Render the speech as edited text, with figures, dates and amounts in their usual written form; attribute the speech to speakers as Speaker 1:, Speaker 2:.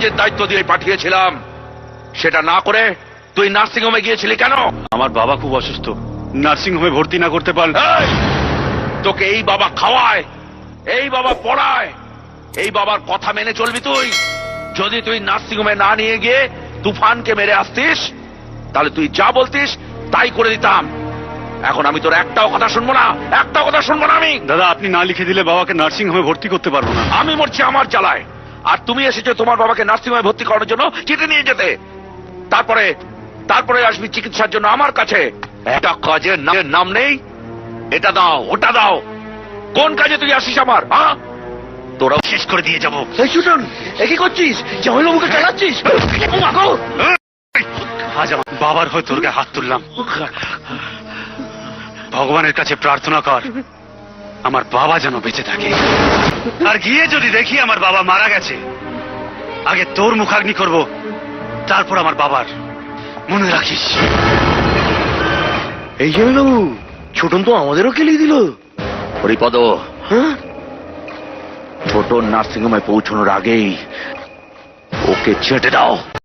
Speaker 1: কাজের দায়িত্ব দিয়ে পাঠিয়েছিলাম, সেটা না করে তুই নার্সিং হোমে গিয়েছিলি কেন?
Speaker 2: আমার বাবা খুব অসুস্থ, নার্সিং হোমে ভর্তি না করতে পারলে।
Speaker 1: এই, তোকে এই বাবা খাওয়ায়, এই বাবা পড়ায়, এই বাবার কথা মেনে চলবি তুই? যদি তুই নার্সিং হোমে না নিয়ে গিয়ে তুফানকে মেরে আসতিস, তাহলে তুই যা বলতিস তাই করে দিতাম। এখন আমি তোর একটাও কথা শুনবো না, একটাও কথা শুনবো না আমি।
Speaker 2: দাদা, আপনি না লিখে দিলে বাবাকে নার্সিং হোমে ভর্তি করতে পারবো না।
Speaker 1: আমি মরছি আমার জ্বালায়, আর তুমি এসেছো তোমার বাবাকে নার্সিং হোমে ভর্তি করানোর জন্য চিঠি নিয়ে যেতে। তারপরে তারপরে আসবি চিকিৎসার জন্য আমার কাছে। একটা কাজের নাম নেই, এটা দাও ওটা দাও। কোন কাজে তুই আসিস আমার? হ্যাঁ, তোরাও শেষ করে দিয়ে যাবো। কি করছিস? জামাইবাবুকে চালাচ্ছিস?
Speaker 2: আজ আমার বাবার হয়ে তোর গায়ে হাত তুললাম। ভগবানের কাছে প্রার্থনা কর আমার বাবা যেন বেঁচে থাকে। আর গিয়ে যদি দেখি আমার বাবা মারা গেছে, আগে তোর মুখাগ্নি করব, তারপর আমার বাবার। মনে রাখিস।
Speaker 3: এই জামাইবাবু, ছোটন তো আমাদেরও কেলিয়ে দিল।
Speaker 1: হরিপদ,
Speaker 3: হ্যাঁ,
Speaker 1: ছোট নার্সিং হোমে পৌঁছানোর আগেই ওকে ছেটে দাও।